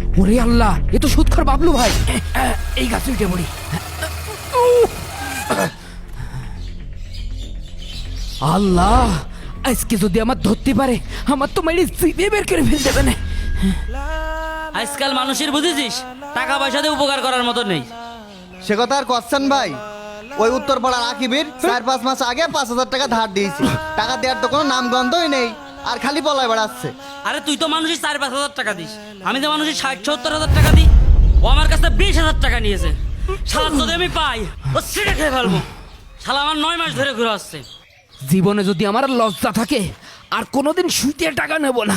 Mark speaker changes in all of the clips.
Speaker 1: ওরে আল্লাহ, এ তো সুৎখর বাবলু ভাই। এই গাছে উঠে পড়ি। আল্লাহ, আজকে যদি আমার ধরতে পারে, আমার তো মেরে জিভে বের করে ফেল দেবে না।
Speaker 2: আজকাল মানুষের বুঝেছিস টাকা পয়সা দিয়ে উপকার করার মতো নেই।
Speaker 3: সে কথা আর করছেন ভাই, ওই উত্তরপাড়ার আকিবের 4-5 মাস আগে 5,000 টাকা ধার দিয়েছি। টাকা দেওয়ার তো কোনো নাম গন্ধই নেই, আর খালি পলায় বেড়াচ্ছে।
Speaker 2: আরে তুই তো মানুষের 4-5 হাজার টাকা দিস, আমি তো মানুষের 60-70 হাজার টাকা দিই। ও আমার কাছে 20,000 টাকা নিয়েছে। শালা যদি আমি পাই ও সিটে খেয়ে ফেলবো। শালা আমার 9 মাস ধরে ঘুরে আসছে।
Speaker 1: জীবনে যদি আমার লজ্জা থাকে, আর কোনোদিন সুইতে টাকা নেব না।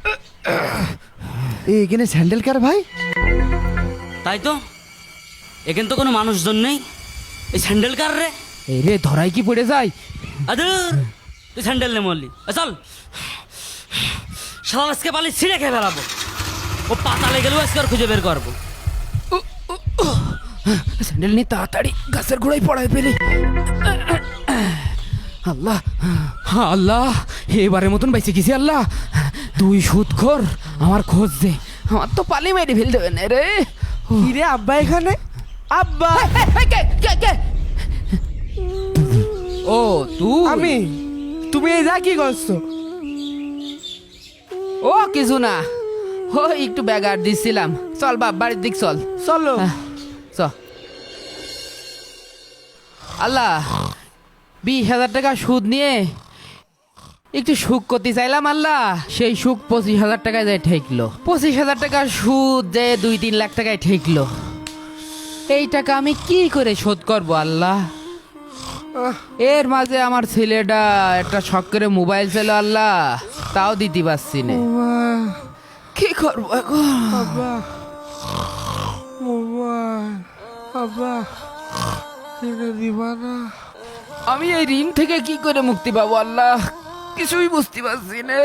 Speaker 3: এখানে স্যান্ডেল কার ভাই?
Speaker 2: তাই তো, এখানে তো কোনো মানুষজন নেই। এই স্যান্ডেল কার রে?
Speaker 1: এই রে, ধরাই কি পড়ে যায়?
Speaker 2: আদুর, তুই স্যান্ডেল নে মরলি। চল, শালা আজকে পালি ছিঁড়ে খেয়ে ফেলাবো। ও পাতালে গেলেও আজকে আর খুঁজে বের করবো।
Speaker 1: স্যান্ডেল নিয়ে তাড়াতাড়ি গাছের গোড়ায় পড়ায় পেলি। আল্লাহ, আল্লাহ, এবারের মতন বেঁচে গেছি। আল্লাহ, তুই সুদখোর, আমার খোঁজ দে। আমার তো পালি মেরে ফেল দেবে না রে।
Speaker 4: কিরে আব্বা এখানে? আব্বা
Speaker 1: ও তুই?
Speaker 4: আমি? তুমি এই যা কি করছো?
Speaker 1: ও কিছু না, ও একটু ব্যাগার দিচ্ছিলাম। চল বাপ, বাড়ির দিক চল।
Speaker 4: চলো।
Speaker 1: চ। আল্লাহ, 20,000 টাকা সুদ নিয়ে একটু সুখ করতে চাইলাম। আল্লাহ, সেই সুখ 25,000 টাকায় যায় ঠেকলো। 25,000 টাকা সুদ যে 2-3 লাখ টাকায় ঠেকলো। এই টাকা আমি কি করে শোধ করবো আল্লাহ? এর মাঝে আমার ছেলেটা একটা শখ করে মোবাইল ছিল আল্লাহ, তাও দিতে পারছি না। কি করবো এখন?
Speaker 4: আব্বা মোবাইল, আব্বা কিনে দিবা না?
Speaker 1: আমি এই ঋণ থেকে কি করে মুক্তি পাবো আল্লাহ, কিছুই বুঝতে পারছি না।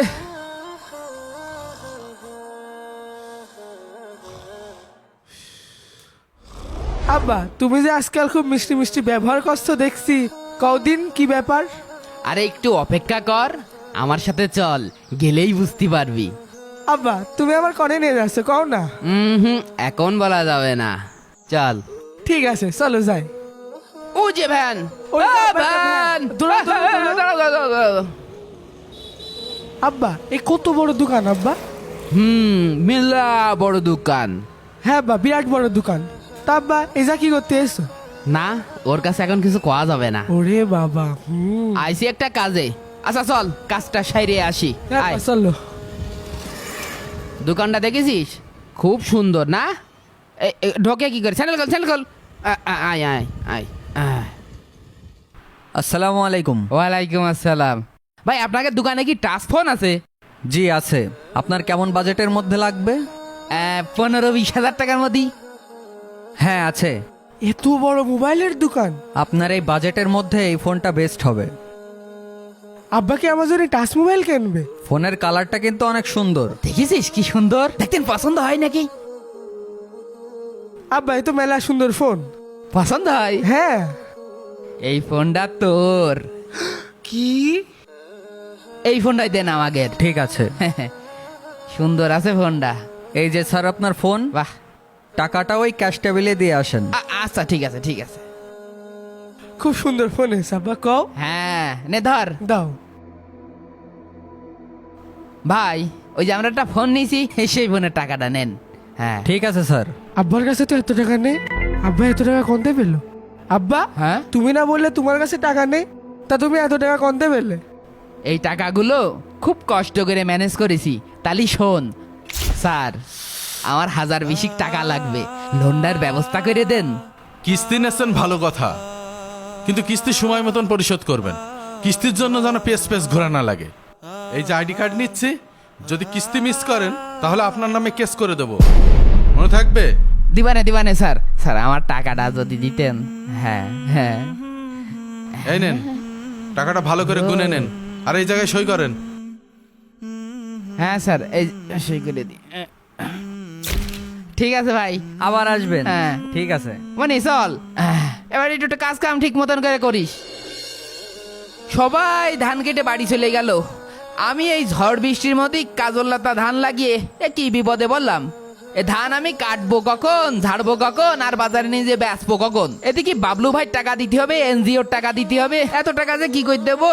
Speaker 4: আব্বা তুমি যে আজকাল খুব মিষ্টি মিষ্টি ব্যবহার করছো দেখছি, কদিন কি ব্যাপার?
Speaker 1: আরে একটু অপেক্ষা কর, আমার সাথে চল, গেলেই বুঝতে পারবি।
Speaker 4: আব্বা তুমি আমার কনে নিয়ে যাচ্ছ কও না?
Speaker 1: এখন বলা যাবে না, চল।
Speaker 4: ঠিক আছে চলো যাই।
Speaker 1: ও যে ভ্যান,
Speaker 4: ওই যে
Speaker 1: আ,
Speaker 4: আব্বা, একটা
Speaker 1: ভ্যান।
Speaker 4: ভ্যান। দৌড়াও, দৌড়াও, দৌড়াও।
Speaker 1: দাঁড়াও, দাঁড়াও, দাঁড়াও।
Speaker 4: আব্বা এই কত বড় দোকান আব্বা?
Speaker 1: মেলা বড় দোকান।
Speaker 4: হ্যাঁ আব্বা, বিরাট বড় দোকান। তা আব্বা এই যা কি করতে এসছো?
Speaker 1: না, ওর কাছে এখন কিছু কোয়া যাবে না।
Speaker 4: ওরে বাবা,
Speaker 1: আইসি একটা কাজে। আচ্ছা চল, কাজটা সাইরে আসি।
Speaker 4: হ্যাঁ
Speaker 1: আয়।
Speaker 4: আব্বা, চলো।
Speaker 1: দোকানটা দেখেছিস? খুব সুন্দর না? ঢোকে কি করে? স্যান্ডেল খোল, স্যান্ডেল খোল। আয় আয় আয় আয়।
Speaker 5: আসসালামু আলাইকুম।
Speaker 1: ওয়ালাইকুম আসসালাম। ভাই, আপনাকে দোকানে কি টাচ ফোন আছে?
Speaker 5: জি আছে। আপনার কেমন বাজেটের মধ্যে লাগবে?
Speaker 1: 15-20 হাজার টাকার মধ্যে।
Speaker 5: হ্যাঁ আছে।
Speaker 4: এত বড় মোবাইলের দোকান?
Speaker 5: আপনার এই বাজেটের মধ্যে এই ফোনটা বেস্ট হবে।
Speaker 4: আব্বা কি আমার জন্য টাচ মোবাইল কিনবে?
Speaker 5: ফোনের কালারটা কিন্তু অনেক সুন্দর।
Speaker 1: দেখেছিস কি সুন্দর? দেখতেন পছন্দ হয় নাকি?
Speaker 4: আব্বা এ তো মেলা সুন্দর ফোন।
Speaker 1: পছন্দ হয়?
Speaker 4: হ্যাঁ।
Speaker 1: এই ফোনটা তোর।
Speaker 4: কি?
Speaker 1: এই ফোনটাই দেন আমাকে।
Speaker 5: ঠিক আছে।
Speaker 1: সুন্দর আছে ফোনটা।
Speaker 5: এই যে স্যার আপনার ফোন,
Speaker 1: বাহ।
Speaker 5: টাকাটা ওই ক্যাশ টেবিলে দিয়ে আসেন।
Speaker 1: আচ্ছা ঠিক আছে, ঠিক আছে।
Speaker 4: খুব সুন্দর ফোন এসে আব্বা, কও।
Speaker 1: হ্যাঁ, নে ধর।
Speaker 4: দাও।
Speaker 1: ভাই, ওই যে আমরা একটা ফোন নিয়েছি, সেই ফোনের টাকাটা নেন। হ্যাঁ
Speaker 5: ঠিক আছে স্যার।
Speaker 4: আব্বার কাছে তো এত টাকা নেই। আব্বা এত টাকা কোনতে পেলো? আব্বা
Speaker 1: হ্যাঁ,
Speaker 4: তুমি না বললে তোমার কাছে টাকা নেই, তা তুমি এত টাকা কোনতে পেলে?
Speaker 1: এই টাকাগুলো খুব কষ্ট করে ম্যানেজ করেছি। তালি শোন স্যার, আমার 1,020 টাকা লাগবে, লোনটার ব্যবস্থা করে দেন।
Speaker 6: কিস্তি নেছেন ভালো কথা, কিন্তু কিস্তি সময় মতন পরিশোধ করবেন। কিস্তির জন্য যেন পেস ঘোরা না লাগে। এই যে আইডি কার্ড নিচ্ছি, যদি কিস্তি মিস করেন তাহলে আপনার নামে কেস করে দেব, মনে থাকবে?
Speaker 1: দিবানে স্যার, স্যার আমার টাকাটা যদি দিতেন। হ্যাঁ হ্যাঁ।
Speaker 6: এই নেন টাকাটা, ভালো করে গুনে নেন, আর এই জায়গায় সই করেন।
Speaker 1: হ্যাঁ স্যার, এই সই করে দিই। ঠিক আছে ভাই।
Speaker 5: আবার আসবেন?
Speaker 1: হ্যাঁ।
Speaker 5: ঠিক আছে।
Speaker 1: মানে চল, এবার একটু কাজ কাম ঠিক মতন করে করিস। সবাই ধান কেটে বাড়ি চলে গেল, আমি এই ঝড় বৃষ্টির মধ্যেই কাজল লতা ধান লাগিয়ে কি বিপদে বললাম। এ ধান আমি কাটবো কখন, ঝাড়বো কখন, আর বাজারে নিয়ে যে বেচবো কখন? এদিকে বাবলু ভাই টাকা দিতে হবে, এনজিওর টাকা দিতে হবে, এত টাকা যে কি করে দেবো?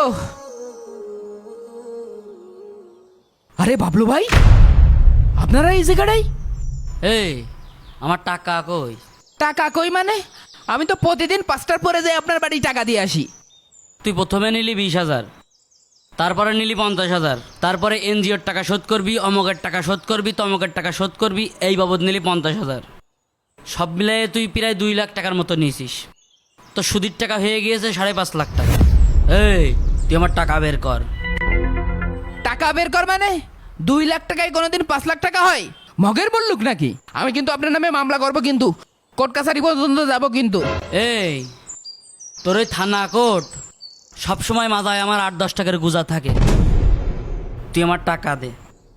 Speaker 1: আরে বাবলু ভাই, আপনারা এই জায়গাটাই?
Speaker 2: এই আমার টাকা কই?
Speaker 1: টাকা কই মানে? আমি তো প্রতিদিন 5টার পরে যাই আপনার বাড়ি টাকা দিয়ে আসি।
Speaker 2: তুই প্রথমে নিলি 20,000, তারপরে নিলি 50,000, তারপরে এনজিওর টাকা শোধ করবি, অমকের টাকা শোধ করবি, তমকের টাকা শোধ করবি, এই বাবদ নিলি 50,000। সব মিলিয়ে তুই প্রায় 2 লাখ টাকার মতো নিয়েছিস। তো সুদির টাকা হয়ে গিয়েছে 5.5 লাখ টাকা। এই তুই আমার টাকা বের কর।
Speaker 1: টাকা বের কর মানে? 2 লাখ টাকায় কোনোদিন 5 লাখ টাকা হয়? মগের বললুক নাকি? আমি কিন্তু আপনার নামে মামলা করবো, কিন্তু কোর্ট কাছারি পর্যন্ত যাবো কিন্তু।
Speaker 2: এই তোর ওই থানা কোর্ট সবসময় মাথায় আমার 8-10 টাকার গুজা থাকে। তুই আমার টাকা দে।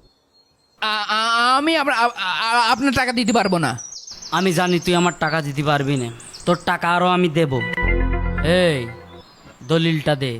Speaker 1: আমি আপনার টাকা দিতে পারবো না।
Speaker 2: আমি জানি তুই আমার টাকা দিতে পারবি না, তোর টাকা আরও আমি দেব। এই দলিলটা দে।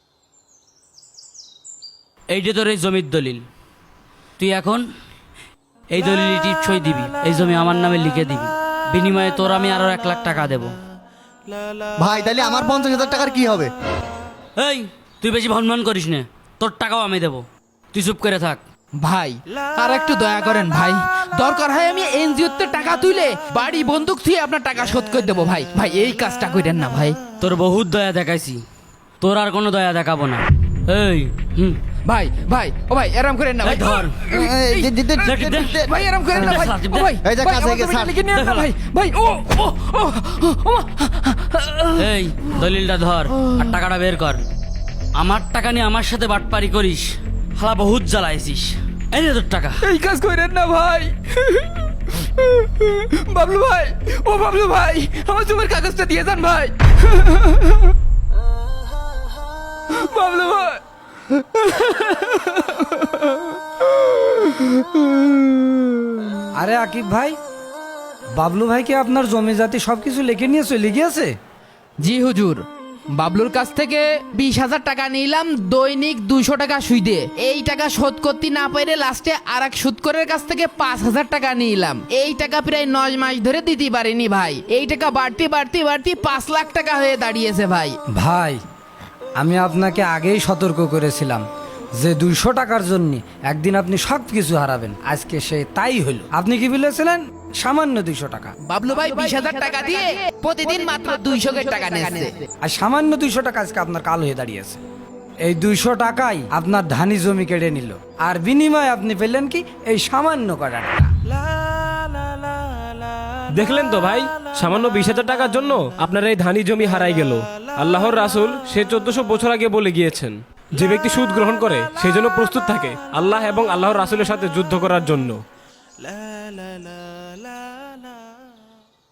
Speaker 2: এইটা তোর এই জমির দলিল। তুই এখন এই দলিলটি সই দিবি, এই জমি আমার নামে লিখে দিবি। বিনিময়ে তোর আমি আরও 1 লাখ টাকা দেব।
Speaker 3: ভাই তাহলে আমার 50,000 টাকার কি হবে?
Speaker 2: এই তুই বেশি ভনভন করিস না, তোর টাকাও আমি দেব। তুই চুপ করে থাক।
Speaker 1: ভাই আর একটু দয়া করেন ভাই, দরকার হয় আমি এনজিওতে টাকা তুলে বাড়ি বন্দুক থুয়ে আপনার টাকা শোধ করে দেবো ভাই। ভাই এই কাজটা করেন না ভাই।
Speaker 2: তোর বহুত দয়া দেখাইছি, তোর আর কোনো দয়া দেখাবো না। এই
Speaker 1: ভাই ভাই ও ভাই এরম করেন না ভাই।
Speaker 2: এই ধর।
Speaker 1: ভাই এরম করেন না ভাই। ও ভাই
Speaker 3: এই যে
Speaker 1: ভাই,
Speaker 3: কাছে
Speaker 1: আমার
Speaker 3: গিয়ে
Speaker 1: জমিটা
Speaker 3: ছাড়।
Speaker 1: লিখে নিয়েন না ভাই। ভাই ও ও ও ও, ও
Speaker 2: এই দলিলটা ধর আর টাকাটা বের কর। আমার টাকা নিয়ে আমার সাথে বাটপারি করিস, হালা বহুত জ্বালাইছিস। এই নে তোর টাকা।
Speaker 1: এই কাজ করেন না ভাই। বাবলু ভাই, ও বাবলু ভাই, আমার জমির কাগজটা দিয়ে যান ভাই। বাবলু ভাই।
Speaker 7: আরে আকিব ভাই, বাবলু ভাই কি আপনার জমি জাতি সবকিছু লিখে নিয়ে চলে গিয়েছে?
Speaker 1: জি হুজুর, বাবলুর কাছ থেকে 20,000 টাকা নিলাম দৈনিক 200 টাকা সুদে। এই টাকা শোধ করতে না পেরে লাস্টে আর এক সুদকরের কাছ থেকে 5,000 টাকা নিলাম। এই টাকা প্রায় 9 মাস ধরে দিতে পারিনি ভাই। এই টাকা বাড়তি বাড়তি বাড়তি 5 লাখ টাকা হয়ে দাঁড়িয়েছে ভাই।
Speaker 7: ভাই আমি আপনাকে আগেই সতর্ক করেছিলাম যে 200 টাকার জন্য একদিন আপনি সব কিছু হারাবেন। আজকে সে তাই হলো। আপনি কি বলেছিলেন? সামান্য 200 টাকা।
Speaker 1: বাবলু ভাই 20,000 টাকা দিয়ে প্রতিদিন মাত্র 200 টাকা নিচ্ছে।
Speaker 7: আর সামান্য 200 টাকা আজকে আপনার কাল হয়ে দাঁড়িয়েছে। এই 200 টাকাই আপনার ধানি জমি কেড়ে নিল, আর বিনিময়ে আপনি পেলেন কি? এই সামান্য কটা টাকা।
Speaker 8: দেখলেন তো ভাই, সামান্য 20,000 টাকার জন্য আপনার এই ধানি জমি হারাই গেল। আল্লাহর রাসূল সে 1400 বছর আগে বলে গিয়েছেন, যে ব্যক্তি সুদ গ্রহণ করে সেই জন্য প্রস্তুত থাকে আল্লাহ এবং আল্লাহর রাসূলের সাথে যুদ্ধ করার জন্য।